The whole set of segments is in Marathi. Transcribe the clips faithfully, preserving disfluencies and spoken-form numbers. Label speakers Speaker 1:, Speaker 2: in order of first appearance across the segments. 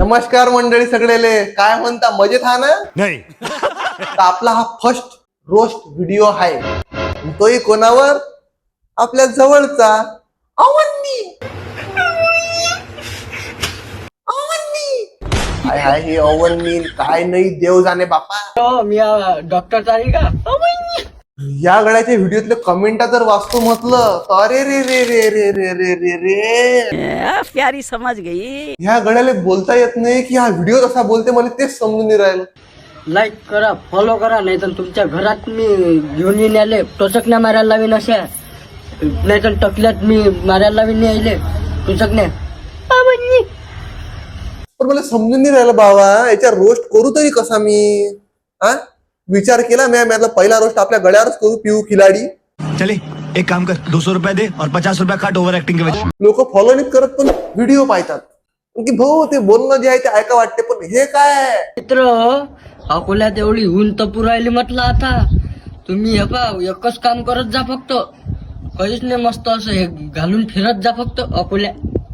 Speaker 1: नमस्कार मंडळी सगळेले, काय म्हणता, मजेत हा ना?
Speaker 2: नाही.
Speaker 1: तर आपला हा फर्स्ट रोस्ट व्हिडिओ आहे, तोही कोणावर? आपल्या जवळचा अवन्नी. अवन्नी काय आहे हे अवन्नी? काय नाही, देव जाणे बापा.
Speaker 3: मी डॉक्टर चालेल का?
Speaker 1: या गड्याच्या व्हिडिओतले कमेंटा जर वाचतो म्हटलं तर अरे रे रे रे रे रे रे रे रे
Speaker 4: प्यारी समझ गई.
Speaker 1: ह्या गड्याला बोलता येत नाही की हा व्हिडिओ कसा बोलते, मला तेच समजून नाही राहिलं.
Speaker 3: लाईक करा, फॉलो करा, नाही तर तुमच्या घरात मी घेऊन येऊन आले टोचकण्या मारायला लावीन, अशा नाही तर टकल्यात मी मारायला लावीन यायले टोचकण्या.
Speaker 1: पण मला समजून नाही राहिलं बाबा, याच्या रोस्ट करू तरी कसा मी? हा विचार केला मी, मी पहिला रोस्ट आपल्या गड्यावरच करू, पिऊ खिलाडी.
Speaker 2: चले एक काम कर, दो सौ रुपया दे और पचास रुपया काट ओव्हर ऍक्टिंग के वजह.
Speaker 1: लोक फॉलो नाही करत पण व्हिडिओ पाहतात की भाऊ ते बोलणं जे आहे ते ऐका वाटते, पण हे काय?
Speaker 3: मित्र, अकोल्यात एवढी ऊन तपू राहिली म्हटलं, आता तुम्ही हे पा एकच काम करत जा, फक्त काहीच नाही, मस्त असं हे घालून फिरत जा फक्त अकोल्या,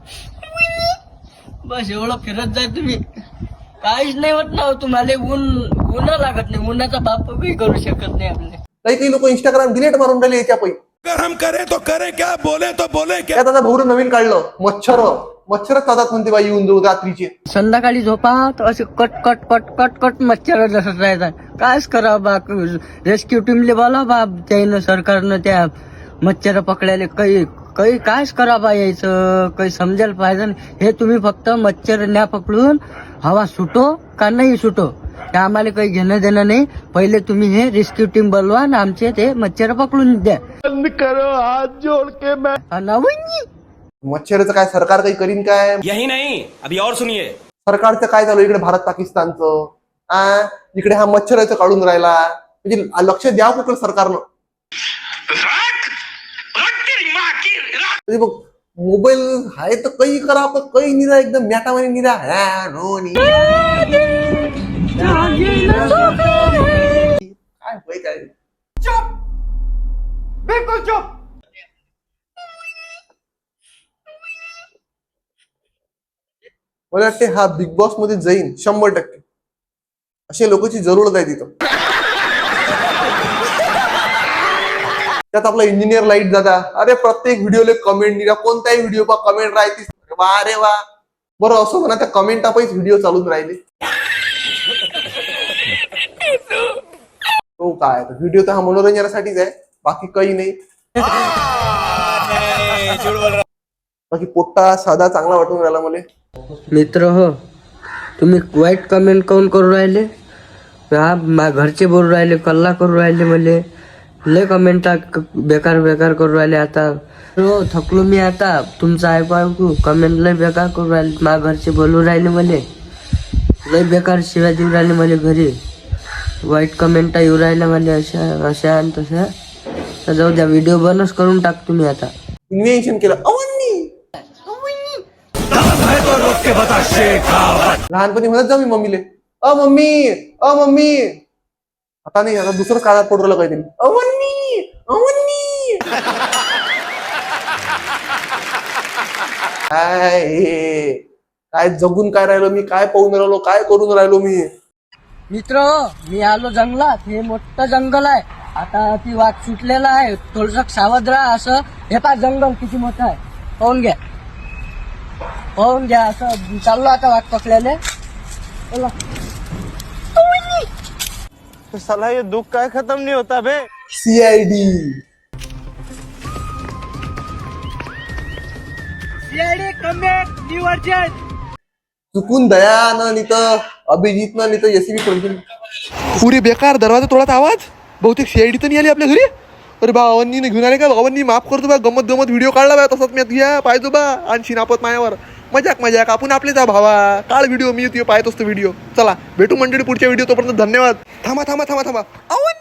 Speaker 3: बस एवढं फिरत जा तुम्ही, काहीच नाही होत ना तुम्हाला. ऊन ऊन लागत नाही, उन्हाचा बाप काही करू शकत नाही आपले.
Speaker 1: काही काही लोक इंस्टाग्राम डिलीट मारून राहिले याच्या पैकी.
Speaker 2: अगर हम करे तो करे क्या, बोले तो बोले क्या.
Speaker 1: त्यात आता भाऊ नवीन काढलं, मच्छर मच्छरच चालतात म्हणते बाई, येऊन जाऊ रात्रीचे.
Speaker 3: संध्याकाळी झोपा तर असे कट कट कट कट कट मच्छर जसं राहतात. कायच करावं बा, रेस्क्यू टीमले बोला बा, त्यानं सरकारनं त्या मच्छर पकडायला काही काही कायच करा बा, यायचं काही समजायला पाहिजे. हे तुम्ही फक्त मच्छर न्या पकडून, हवा सुटो का नाही सुटो ते आम्हाला काही घेणं देणं नाही. पहिले तुम्ही हे रेस्क्यू टीम बोलवा आणि आमचे ते मच्छर पकडून द्या.
Speaker 1: बंद करो हात जोड के मैं.
Speaker 3: अनावनी
Speaker 1: मच्छरचं काय सरकार काही करीन काय?
Speaker 5: यही नहीं, अभी और सुनिए.
Speaker 1: सरकारचं काय चालू इकडे भारत पाकिस्तानचं? आ इकडे हा मच्छराचं काढून राहिला, म्हणजे लक्ष द्या कुठं सरकारनं. म्हणजे बघ, मोबाईल आहे तर काही करा, पण काही निरा एकदम मॅटावानी निरा हा नो नी काय होय काय. चुप, बिलकुल चुप. मला वाटते हा बिग बॉस मध्ये जाईन शंभर टक्के. अशा लोकांची जरूरत आहे तिथं. त्यात आपला इंजिनियर लाईट दादा, अरे प्रत्येक व्हिडिओला कमेंट निघा, कोणताही व्हिडिओ पा कमेंट राहते. वा रे वा. बरं असं म्हणा, त्या कमेंट टापाईच व्हिडिओ चालून राहिले. तो काय व्हिडिओ तर हा मनोरंजनासाठीच आहे, बाकी काही नाही. बाकी पोट्टा साधा चांगला वाटून राहिला मला.
Speaker 3: मित्र हो, तुम्ही वाईट कमेंट काऊन करू राहिले? हा मा घरचे बोलू राहिले, कल्ला करू राहिले, मले लय कमेंट बेकार बेकार करू राहिले. आता हो थकलो मी आता तुमचं ऐकू ऐकू. कमेंट लय बेकार करू राहिले, मा घरचे बोलू राहिले, मले लय बेकार शिव्या देऊ राहिले मला घरी. वाईट कमेंटा येऊ राहिल्या मला अशा अशा आणि तशा. तर जाऊ द्या, व्हिडिओ बंदच करून टाक तुम्ही आता.
Speaker 1: इन्व्हेन्शन केलं अवन्नी. लहानपणी म्हणत जा मी मम्मीले, अ मम्मी अ मम्मी. आता नाही, आता दुसरंच काळात पडू राहिलं काहीतरी, अवन्नी अवन्नी. काय हे? काय जगून काय राहिलो मी, काय पाहून राहिलो, काय करून राहिलो मी.
Speaker 3: मित्र, मी आलो जंगलात. हे मोठं जंगल आहे, आता ती वाघ सुटलेला आहे, थोडस सावध राहा. असं हे पा जंगल किती मोठं आहे, पाहून घ्या पाहून घ्या. असं चाललो आता वाघ पकडायला.
Speaker 6: साला ये दुख काय खत्म नहीं होता बे.
Speaker 1: सीआयडी चुकून दया न नित अभिजित न नित एसीबी कोणती पुरे बेकार दरवाजा तोडाचा आवाज. बहुतेक सीआयडी तर नाही आली आपल्या घरी. अरे बा अवन्नी घेऊन आले का? अवन्नी माफ करतो बा, गमत गमत व्हिडिओ काढला बा, तसंच मी घ्या पाहिजो बा आणि शिनापत मायावर. मजाक मजाक, आपण आपले जा भावा, काळ व्हिडिओ, मी पाहत असतो व्हिडिओ. चला भेटू मंडळी पुढच्या व्हिडिओ, तोपर्यंत धन्यवाद. थांबा थांबा थांबा थांबा अवन्नी.